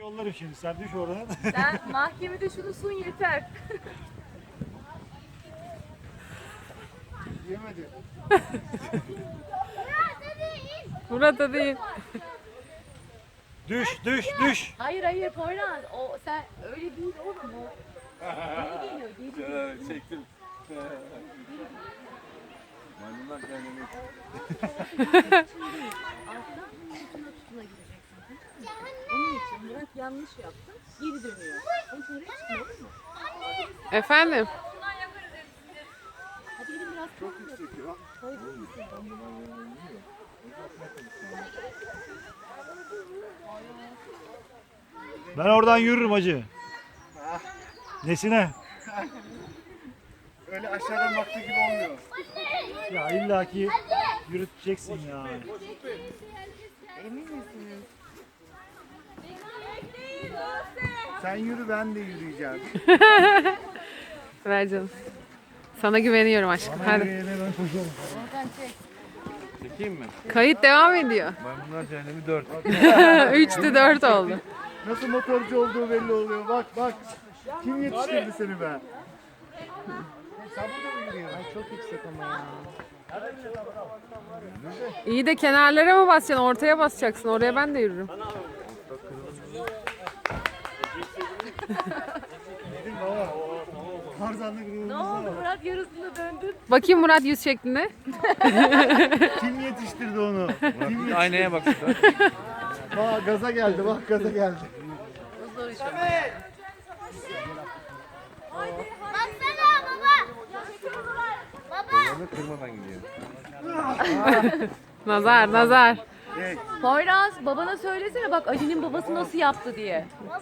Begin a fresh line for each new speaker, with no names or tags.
Yollarım şimdi, sen düş oradan.
Sen mahkemede şunu sun yeter.
Yemedi.
Murat hadi in.
Düş, düş, düş.
Hayır hayır Poyraz. O sen öyle değil oğlum o. Geri geliyor geri geliyor.
Çektim. Maymunlar kendini.
Alttan tutuna tutuna gireceksin. Onun için Murat yanlış yaptı. Geri dönüyor. Onun için oraya çıkma olur mu?
Efendim?
Hadi gidin biraz. Çok yüksek ya.
Ben oradan yürürüm hacı. Nesine?
Öyle aşağıdan baktığı gibi olmuyor.
Ya illaki yürüteceksin ya.
Emin misiniz?
Sen yürü ben de yürüyeceğim.
Ver canım. Sana güveniyorum aşkım. Hadi.
Ben koşuyorum.
Oradan çek.
Çekeyim mi?
Kayıt devam ediyor.
Maymunlar cehennemi 4.
3'te 4 oldu.
Nasıl motorcu olduğu belli oluyor. Bak bak. Kim yetiştirdi seni be? Sen burada mı yürüyorsun? Ay çok yüksek ama ya.
İyi de kenarlara mı basacaksın? Ortaya basacaksın. Oraya ben de yürürüm.
Dedim baba. Tarzanlı
Ne
grubumuzda
oldu
var.
Murat yarısında döndün.
Bakayım Murat yüz şeklinde.
Kim yetiştirdi onu?
Aynaya bak.
Bak gaza geldi, bak gaza geldi.
O zor iş.
Baksana baba. Baba.
Onu kırmadan gidiyor.
Nazar, nazar.
Poyraz babana söylesene bak Ali'nin babası nasıl yaptı diye.